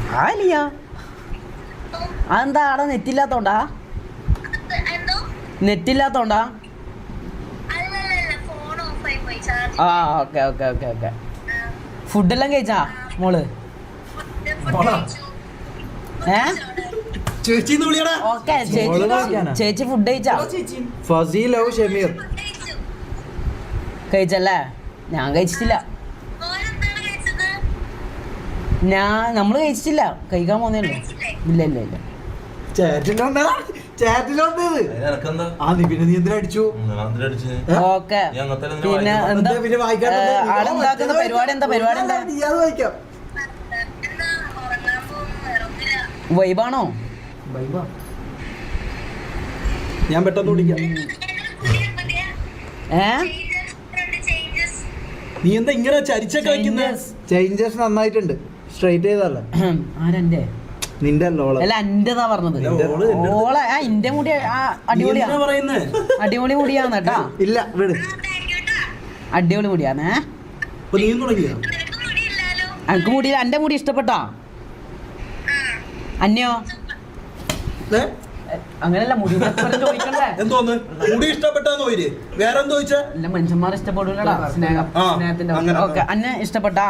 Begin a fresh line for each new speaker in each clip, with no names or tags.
ആലിയ അതെന്താ അവിടെ നെറ്റില്ലാത്തോണ്ടാ? നെറ്റില്ലാത്തോണ്ടാ? ആ ഓക്കെ ഓക്കെ ഓക്കെ ഓക്കെ. ഫുഡെല്ലാം കഴിച്ചാ മോള്? ഓക്കെ ചേച്ചി ഫുഡ് കഴിച്ചാ? കഴിച്ചല്ലേ? ഞാൻ കഴിച്ചിട്ടില്ല. നമ്മള് കഴിച്ചിട്ടില്ല, കഴിക്കാൻ പോന്നേ ഉള്ളൂ. ഇല്ല ഇല്ല ഇല്ല. ഓക്കെ പിന്നെ എന്താ ആടെ ഉണ്ടാക്കുന്ന പരിപാടി? എന്താ പരിപാടി? എന്താ വൈബാണോ?
ഞാൻ പെട്ടെന്ന് വിളിക്കാം. നീ എന്താ ഇങ്ങനെ ചരിച്ചൊക്കെ വെക്കുന്നത്? ചേഞ്ചസ് നന്നായിട്ടുണ്ട്. സ്ട്രൈറ്റ് ചെയ്തല്ലേ?
ആരെന്റെ?
നിന്റെ അല്ല
എന്റെതാ പറഞ്ഞത്. ഓളെ ഇന്റെ മുടി അടിപൊളിയാ, അടിപൊളി മുടിയാന്ന് കേട്ടാ.
ഇല്ല വിട്,
അടിപൊളി മുടിയാന്നേ. എനിക്ക് മുടി, എന്റെ മുടി ഇഷ്ടപ്പെട്ടാ? അന്യോ അങ്ങനെയല്ല, മുടി ചോദിക്കണ്ടേ?
എന്തോന്ന് മുടി ഇഷ്ടപ്പെട്ടാന്ന് പോയി വേറെന്തോ ചോദിച്ചാ?
അല്ല മനുഷ്യന്മാർ ഇഷ്ടപ്പെടൂലടാ, സ്നേഹത്തിന്റെ. ഓക്കെ, അന്നെ ഇഷ്ടപ്പെട്ടാ?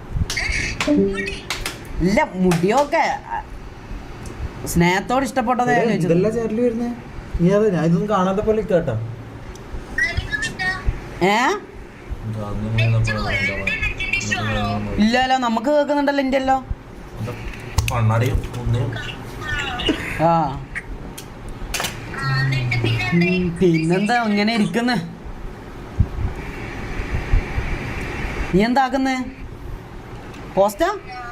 ഇല്ല മുടിയൊക്കെ സ്നേഹത്തോട് ഇഷ്ടപ്പെട്ടതേ
വരുന്നേ. നീ അതെ ഞാൻ ഇതൊന്നും കാണാത്ത പോലെ കേട്ടോ.
ഇല്ലല്ലോ, നമുക്ക് കേൾക്കുന്നുണ്ടല്ലോ എന്റെ അല്ലോ. ആ പിന്നെന്താ ഇങ്ങനെ ഇരിക്കുന്നേ? നീ എന്താക്കുന്നേ? പോസ്റ്റാ?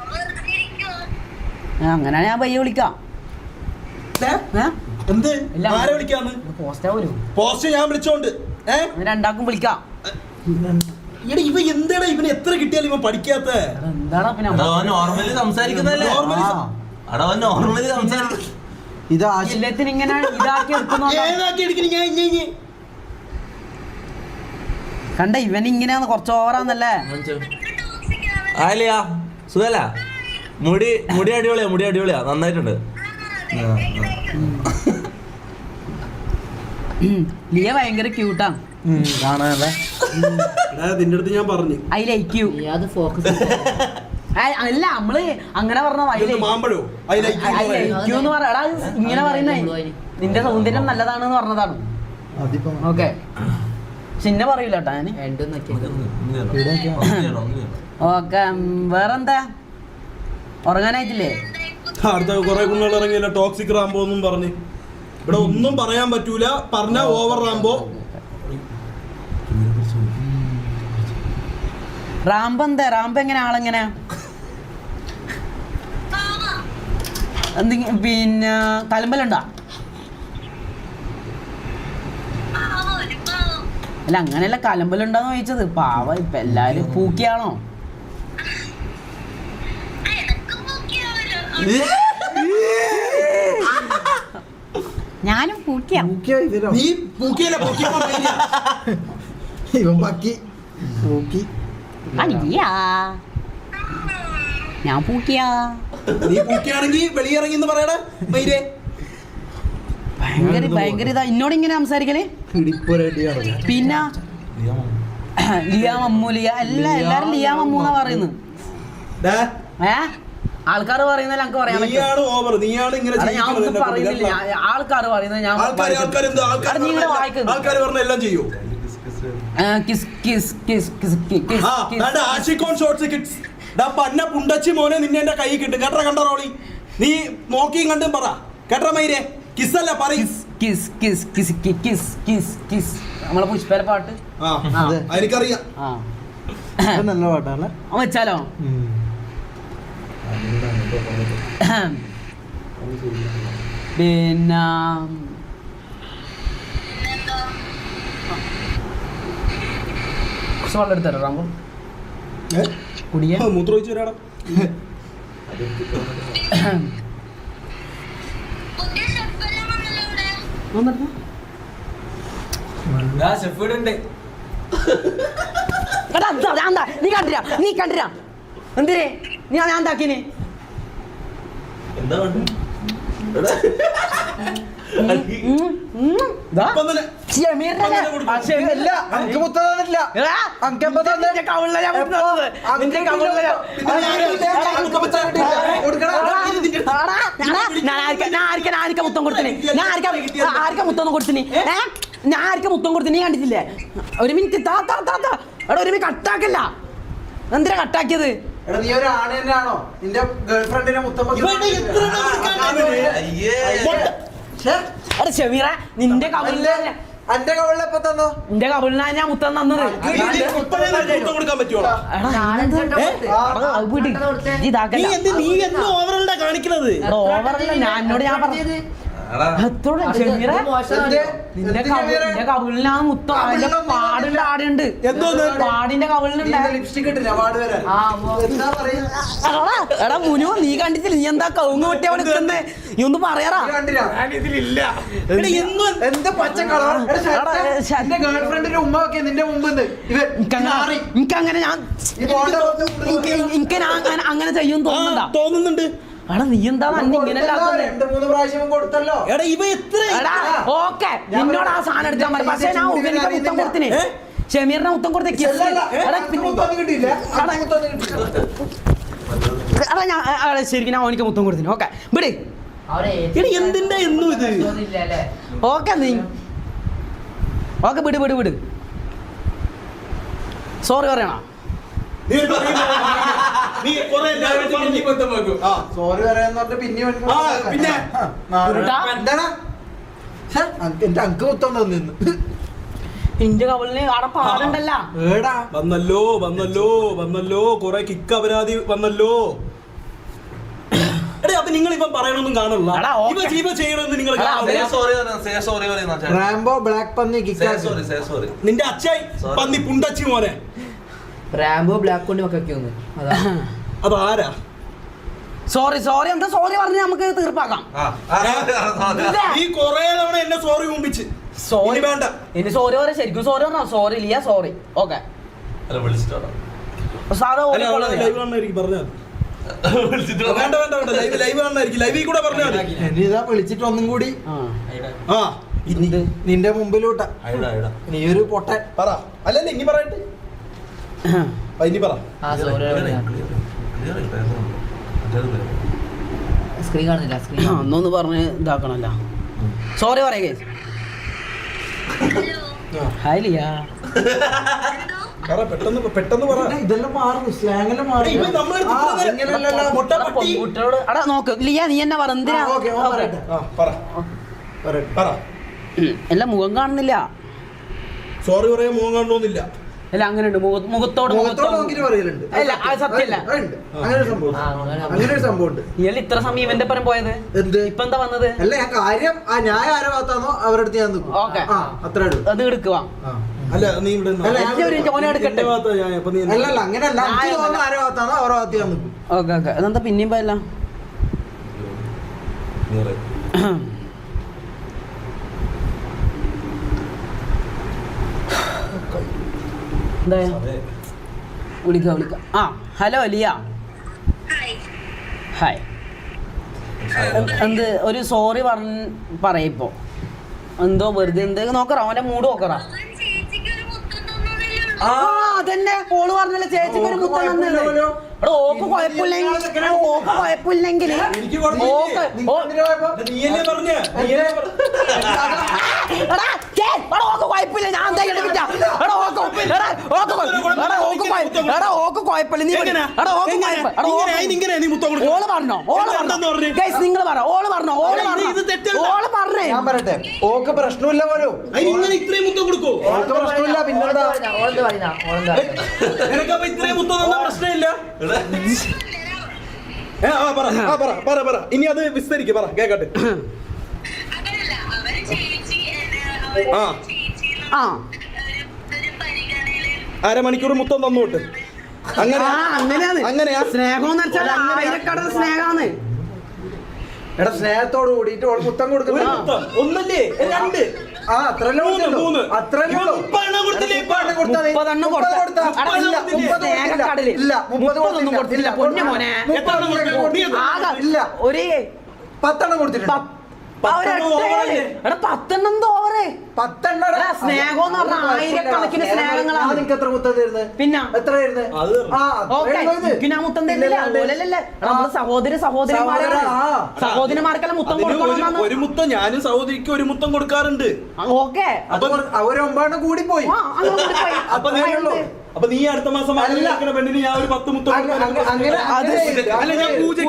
അങ്ങനെ ഞാൻ പയ്യെ വിളിക്കാം.
പോസ്റ്റ് ഞാൻ വിളിച്ചോണ്ട്
രണ്ടാക്കും വിളിക്കാം.
ഇവ എന്താടാ ഇവന് എത്ര കിട്ടിയാലും ഇവൻ പഠിക്കാത്ത?
എന്താടാ പിന്നെ എല്ലാത്തിനും ഇങ്ങനെ ഇതാക്കി കണ്ട ഇവൻ ഇങ്ങനെയാന്ന് കുറച്ച് ഓവറാന്നല്ലേ?
സുഖല്ല? മുടി അടിപൊളിയാ, മുടി അടിപൊളിയാ, നന്നായിട്ടുണ്ട്.
ലിയ ഭയങ്കര ക്യൂട്ടാ
കാണാനല്ലേ? നിന്റെ അടുത്ത് ഞാൻ പറഞ്ഞു
ഐ ലൈക്ക് യു. അല്ല നമ്മള് അങ്ങനെ പറഞ്ഞ ഇങ്ങനെ പറയുന്നേ നിന്റെ സൗന്ദര്യം നല്ലതാണെന്ന് പറഞ്ഞതാണ്. ഓക്കെ ചിന്ന പറയൂല കേട്ടാ ഞാൻ. ഓക്കെ വേറെന്താ? ഉറങ്ങാനായിട്ടില്ലേ?
അടുത്ത കുറെ കുഞ്ഞുങ്ങൾ ഇറങ്ങിയല്ലോ ടോക്സിക് റാംബോ എന്നും പറഞ്ഞ്. ഇവിടെ ഒന്നും പറയാൻ പറ്റൂല, പറഞ്ഞ ഓവർ റാംബോ.
റാംബോ എന്താ? റാംബോ എങ്ങനെ? ആളെങ്ങനെ? എന്തെങ്കിലും പിന്നെ തലമ്പലുണ്ടോ? അല്ല അങ്ങനെയല്ല, കലമ്പലുണ്ടോന്ന് ചോദിച്ചത്. പാവ ഇപ്പൊ എല്ലാരും പൂക്കിയാണോ? ഞാനും പൂക്കിയ. ഞാൻ പൂക്കിയാ.
നീ പൂക്കിയാണെങ്കിൽ വെളിയിറങ്ങി പറയടാ.
ഭയങ്കര ഇതാ എന്നോട് ഇങ്ങനെ സംസാരിക്കല്. പിന്നെ ലിയ മമ്മു, ലിയ എല്ലാരും ലിയ മമ്മു എന്നാ പറയുന്നത്. ആൾക്കാർ പറയുന്നത് ഞങ്ങൾക്ക് പറയാൻ പറ്റും. ആൾക്കാർ പറയുന്നത് ഞാൻ
മോനെ നിന്നെ എന്റെ കൈ കിട്ടും കേട്ട. കണ്ട റോളി നീ നോക്കിയും കണ്ടും പറ കേട്ട മൈരേ. കിസ്സല്ല പറയും.
നമ്മളെ പുഷ്പേരെ പാട്ട്
എനിക്കറിയാം.
നല്ല പാട്ടാണ് വെച്ചാലോ? പിന്നെ കുറച്ച് വെള്ളം എടുത്തരോ റാമ്പോ? കുടിയാ
മൂത്രമൊഴിച്ച് വരാടാ.
നീ കണ്ടിരാ എന്തിനേ? ഞാൻ എന്താക്കിന്?
എന്താ വേണ്ട
മുത്തം കൊടുത്തിനി ഞാൻ ആർക്കാ മുത്തം കൊടുത്തിനി കണ്ടിട്ടില്ലേ? ഒരു മിനിറ്റ് താ എടാ ഒരു മിനിറ്റ് കട്ടാക്കല്ല. എന്തിനാ കട്ടാക്കിയത്?
നീ ഒരു ആണ് തന്നെയാണോ നിന്റെ ഗേൾഫ്രണ്ടിനെ മുത്തം
ഷമീറ നിന്റെ കവിളില്
എന്റെ കവിളിലെപ്പോ തന്നോ?
നിന്റെ കവിളിനാ ഞാൻ മുത്തം തന്നത്.
കൊടുക്കാൻ പറ്റുമോ? കാണിക്കുന്നത്
ഓവറല്ല ഞാൻ എന്നോട് ഞാൻ പറഞ്ഞത് നിന്റെ കവിളിനാ മുത്തം. അതിന്റെ പാടിന്റെ ആടുണ്ട്, പാടിന്റെ കവിളിനുണ്ട്
ലിപ്സ്റ്റിക് ഇട്ടില്ല പാട് വരാൻ.
എടാ മുനു നീ കണ്ടിട്ടില്ല? നീ എന്താ കവുങ്ങ് വെട്ടി അവിടെ നിൽക്കുന്നേ? നീ ഒന്ന് പറയാറാ.
എന്ത് പച്ച കളർ എന്റെ ഗേൾഫ്രണ്ടിന്റെ ഉമ്മ ഒക്കെ നിന്റെ മുമ്പ്
എനിക്കങ്ങനെ ഞാൻ അങ്ങനെ ചെയ്യും
തോന്നുന്നുണ്ട്.
എടാ നീ എന്താ ഇങ്ങനെ
2-3 പ്രാവശ്യം കൊടുത്തല്ലോ.
എടാ ഇവ എത്ര
ഓക്കെ നിന്നോട് ആ സാധനം എടുക്കാൻ പറയും. പക്ഷെ ഞാൻ ഉപനിക്ക് മുത്തം കൊടുത്തിനെ, ഷമീറിനെ മുത്തം കൊടുത്തേ. ശരിക്കും ഞാൻ ഓനിക്ക് മുത്തം കൊടുത്തിനെ. ഓക്കെ വിട്.
എന്തിന്റെ എന്നും ഇത്
ഓക്കെ നീ ഓക്കെ വിട് വിട് വിട്. സോറി പറയണോ?
സോറി പറയാന്ന് പറഞ്ഞ പിന്നെ എന്റെ അങ്ക് മുത്തം തന്നു.
ഇന്റെ കവളിന് അവിടെ പാടുണ്ടല്ലോ.
വന്നല്ലോ വന്നല്ലോ വന്നല്ലോ കൊറേ കിക്ക് അപരാധി വന്നല്ലോ. എടേ അപ്പൊ നിങ്ങൾ ഇപ്പം പറയണൊന്നും കാണില്ല. ചെയ്യണമെന്ന് നിങ്ങൾ
റാംബോ ബ്ലാക്ക് പന്നി
നിന്റെ അച്ഛായി പന്നി പുണ്ടച്ചി മോനെ.
റാംബോ ബ്ലാക്ക് കൊണ്ട് മക്കൊക്കെ
അതാരാ?
സോറി സോറി എന്താ സോറി പറഞ്ഞ് നമുക്ക് തീർപ്പാക്കാം.
ഈ കൊറേ തവണ എന്നെ സോറി മുമ്പിച്ച്
സോറി
വേണ്ട.
ഇനി സോറി പറയാ. ശരിക്കും സോറി പറഞ്ഞോ? Sorry Liya sorry. ഓക്കെ സാധാ
വിളിച്ചിട്ട് ഒന്നും കൂടി നിന്റെ മുമ്പിലൂട്ട നീ ഒരു പൊട്ടൻ
പറ. അല്ലല്ലേ ഇനി പറയട്ടെ. ഇനി പറ.
സ്ക്രീൻ കാണുന്നില്ല. സ്ക്രീൻ
ഒന്നൊന്ന് പറഞ്ഞ് ഇതാക്കണല്ലോ. സോറി പറയേ. ഹായ് ലിയ.
പെട്ടെന്ന് പെട്ടെന്ന് പറ.
ഇതെല്ലാം മാറുന്നു, സ്ലാങ്ങെല്ലാം മാറുന്നു.
കുട്ടികളോട് അടാ നോക്ക് ലിയ നീ എന്നെ പറ. എന്തിനാ എല്ലാം മുഖം കാണുന്നില്ല.
സോറി പറയാൻ മുഖം കാണണമെന്നില്ല.
അല്ല അങ്ങനെയുണ്ട് മുഖത്തോട് അല്ല അത് സത്യമല്ല.
അങ്ങനെ ഒരു സംഭവം ഉണ്ട്.
നീയല്ല ഇത്ര സമയം ഇവന്റെ പരം പോയത്. ഇപ്പൊ എന്താ വന്നത്?
അല്ല ഞാൻ കാര്യം ഞാൻ ആരെ ഭാഗത്താണോ അവരടുത്ത് ഞാൻ നിൽക്കും. അത്ര അത്
എടുക്കുക.
അല്ല നീ ഇവിടെ
എടുക്കട്ടെ.
അല്ലല്ല അങ്ങനെയല്ല. ആരെ ഭാഗത്താണോ അവരുടെ ഭാഗത്ത് ഞാൻ നിൽക്കും.
Okay okay. അതെന്താ പിന്നെയും പോയല്ല? വിളിക്ക വിളിക്ക. ആ ഹലോ ലിയ. ഹായ്. എന്ത് ഒരു സോറി പറയിപ്പോ എന്തോ വെറുതെ എന്ത് നോക്കറ അവന്റെ മൂഡ് നോക്കറ. ആ അതന്നെ ഓള് പറഞ്ഞല്ലേ ചേച്ചിക്ക് ഒരു മുത്തം തന്നല്ലേ. ഓക്ക് കുഴപ്പമില്ലെങ്കിൽ ഓക്ക് കുഴപ്പമില്ലെങ്കിൽ കുഴപ്പമില്ല. ഞാൻ ഓക്ക് കുഴപ്പമില്ല. ഓള് പറഞ്ഞോ? നിങ്ങൾ പറ. ഓള് പറഞ്ഞോ? ഓള് പറഞ്ഞേ.
ഞാൻ പറയട്ടെ ഓക്ക് പ്രശ്നമില്ല പോലും.
ഇത്രയും മുത്തം കൊടുക്കോ?
ഓക്ക് പ്രശ്നമില്ല. പിന്നെന്താ
ഇത്രയും മുത്തം തന്ന പ്രശ്നമില്ല. ഇനി അത് വിസ്തരിക്ക പറ കേക്കട്ടെ. അരമണിക്കൂർ മുത്തം തന്നോട്ട്.
അങ്ങനെയാ സ്നേഹം സ്നേഹാന്ന്.
എടാ സ്നേഹത്തോട് കൂടിയിട്ട് മുത്തം കൊടുക്കുന്ന
ഒന്നല്ലേ രണ്ട്
ആ അത്രല്ലേ കൊടുത്തുള്ളൂ.
മൂന്ന്.
അത്രല്ലേ ഉള്ളൂ.
30 കൊടുത്തില്ലേ ഇപ്പൊ?
30 കൊടുത്ത. അടാ, ഇല്ല, 30 സ്നേഹക്കടല്.
ഇല്ല,
30 കൊടുത്തില്ല പൊന്നു മോനെ.
എത്ര എണ്ണം കൊടുത്തു?
ആകെ
ഇല്ല.
ഒരു
10 എണ്ണം കൊടുത്തിട്ടുണ്ട്.
10 ഓവറ്
10 എണ്ണം
എടാ, സ്നേഹം എന്ന് പറഞ്ഞാ ആയിരക്കണക്കിന് സ്നേഹങ്ങളാണ്.
നിങ്ങൾക്ക് എത്ര മുത്തം തരുന്നത്?
പിന്നെ
എത്ര തരുന്നത്?
അത്
ആ
ഓക്കെ
അത്രേ
ഞാൻ മുത്തം തരില്ല അതുപോലല്ലേ നമ്മള് സഹോദരന്മാരാണ് സഹോദരന്മാർക്കെല്ലാം മുത്തം
അതിന്
കൊടുക്കണം
ഒരു മുത്തം ഞാനും സഹോദരിക്ക് ഒരു മുത്തം കൊടുക്കാറുണ്ട്.
ഓക്കെ
അപ്പൊ അവർ 9 കൂടി പോയി.
അപ്പൊ നീ അടുത്ത മാസം ആലോചിക്കുന്ന പെണ്ണിന് ഞാൻ ഒരു 10 മുത്തം കൊടുക്കാൻ അല്ല ഞാൻ പൂജയ്ക്ക്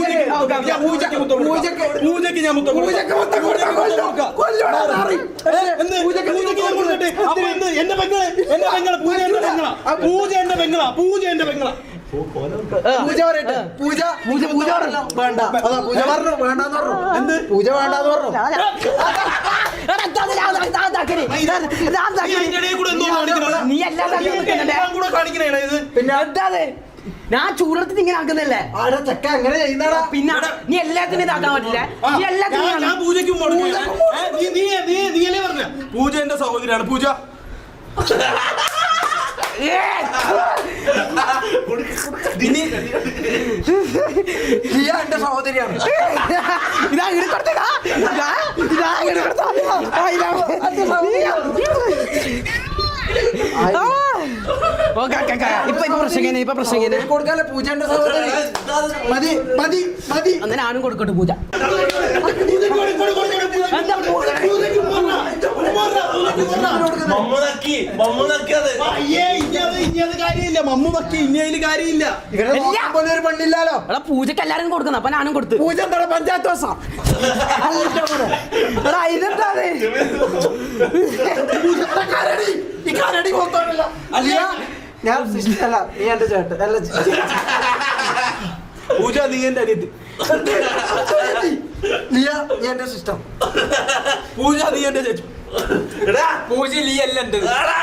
ഞാൻ മുത്തം എന്റെ പെങ്ങളെ പൂജ എന്റെ പെങ്ങളാ
പൂജ പറയട്ടെ. പൂജ വേണ്ട. അതാ പൂജ പറഞ്ഞു വേണ്ടെന്ന് പറഞ്ഞു. എന്ത് പൂജ വേണ്ടെന്ന് പറഞ്ഞു.
നീ എല്ലാ പിന്നെ എന്താ ഞാൻ ചൂടത്തിൽ ഇങ്ങനെ ആക്കുന്നല്ലേ
ആടെ ചെക്ക എങ്ങനെ ചെയ്യുന്നടാ?
പിന്നെ നീ എല്ലാത്തിനും ഇതാക്കാൻ പറ്റില്ല നീ എല്ലാത്തിനും
ഞാൻ പൂജയ്ക്കും നീയല്ലേ പറഞ്ഞ പൂജ എന്റെ സഹോദരിയാണ് പൂജ.
ലിയ എന്റെ സഹോദരിയാണ്.
ഇതാ ഇടക്കൊടുത്തതാ ഇപ്പൊ പ്രശ്നം
കൊടുക്കാല്ലേ പൂജ എന്റെ സഹോദരി. മതി മതി മതി.
അന്ന് ഞാനും കൊടുക്കട്ടെ പൂജ
കാര്യമില്ല മമ്മു നക്കി ഇനിയതില് കാര്യമില്ല.
പോലെ ഒരു പെണ്ണില്ലാലോ.
എടാ പൂജക്ക് എല്ലാരും കൊടുക്കുന്ന അപ്പൊ ഞാനും കൊടുത്തു
പൂജ എന്താണ് പഞ്ചായത്ത് ദിവസം?
എടാ ഇതെന്താ
ഞാൻ അല്ല നീ എന്റെ ചേട്ടൻ അല്ല
പൂജ നീ എന്റെ അനിയത്തി.
ലിയ നീ എന്റെ സിസ്റ്റം.
പൂജ നീ എന്റെ ചേച്ചി.
പൂജ ലീ അല്ല എന്റെ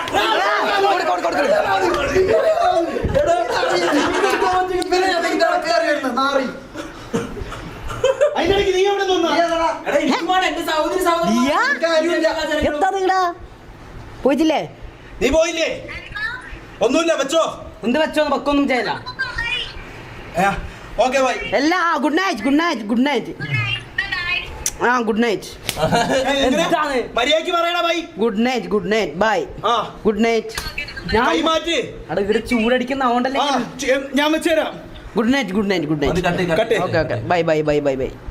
അതിനിടയ്ക്ക് നീ എവിടെ നിന്നാ?
എന്താ നിങ്ങളാ പോയിട്ടില്ലേ
നീ പോയില്ലേ? ഒന്നുമില്ല വെച്ചോ.
എന്ത് വെച്ചോ വെക്കൊന്നും ചെയ്യല
ഓക്കെ ബൈ.
എല്ലാ ഗുഡ് നൈറ്റ് ഗുഡ് നൈറ്റ് ആ ഗുഡ് നൈറ്റ് എന്താണ്
മര്യാദയ്ക്ക് പറയടാ ബൈ.
ഗുഡ് നൈറ്റ് ബൈ
ആ
ഗുഡ് നൈറ്റ് ഞാൻ
കൈ മാറ്റി.
അവിടെ ഇവിടെ ചൂടടിക്കുന്ന അതുകൊണ്ടല്ലേ
ഞാൻ വെച്ചുതരാം.
Good night
cut
okay by